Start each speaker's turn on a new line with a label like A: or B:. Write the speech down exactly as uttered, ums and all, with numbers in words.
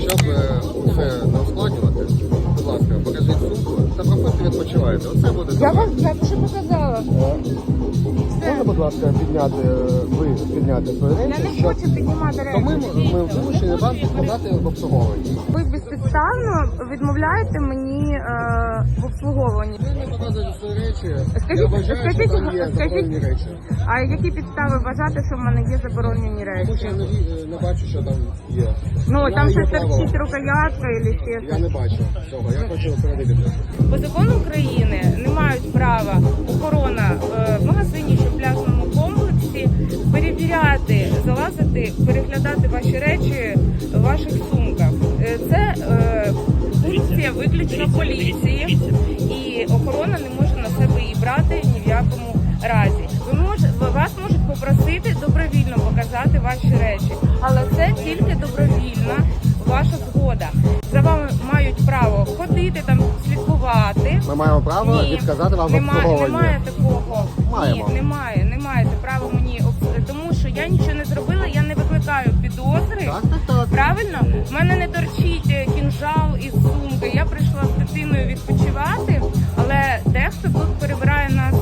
A: щоб все не ускладнювати, будь ласка, покажіть сумку та проходьте відпочивайте. Оце буде
B: Я
A: добре.
B: вам я вже показала.
A: Можна, будь ласка, підняти, ви підняти свої
B: Я
A: речі,
B: не
A: щоб...
B: хочу піднімати
A: То ми,
B: речі.
A: ми вимушені вам подати в обслуговування.
B: Ви безпідставно відмовляєте мені е, в обслуговуванні.
A: Ви не показуєте свої речі,
B: Скажіть-
A: я вважаю,
B: скажіть-
A: що там є
B: скажіть-
A: заборонені речі.
B: А які підстави вважати, що в мене є заборонені
A: Тому
B: речі?
A: що я не, ві- не бачу, що там є.
B: Ну
A: Я
B: там
A: є
B: щось
A: правила.
B: торчить рукоятка і ще
A: Я
B: щось.
A: не бачу цього, я хочу перевірити.
B: По закону України не мають права охорона е, в магазині чи в пляжному комплексі перевіряти, залазити, переглядати ваші речі в ваших сумках. Е, Це е, функція виключно поліції, і охорона не може на себе її брати ні в якому разі. Ви мож, вас можуть попросити добровільно показати ваші речі, але це тільки добровільна ваша згода. За вами мають право ходити там, слідкувати.
A: Ми маємо право
B: Ні,
A: відказати вам в
B: немає,
A: обслуговуванні.
B: немає такого.
A: Маємо.
B: Ні, немає, не маєте права мені обс- тому що я нічого не зробила, я не викликаю підозри.
A: Так, так, так.
B: Правильно? В мене не торчить е, кінжал із сумки. Я прийшла з дитиною відпочивати, але дехто тут перебирає на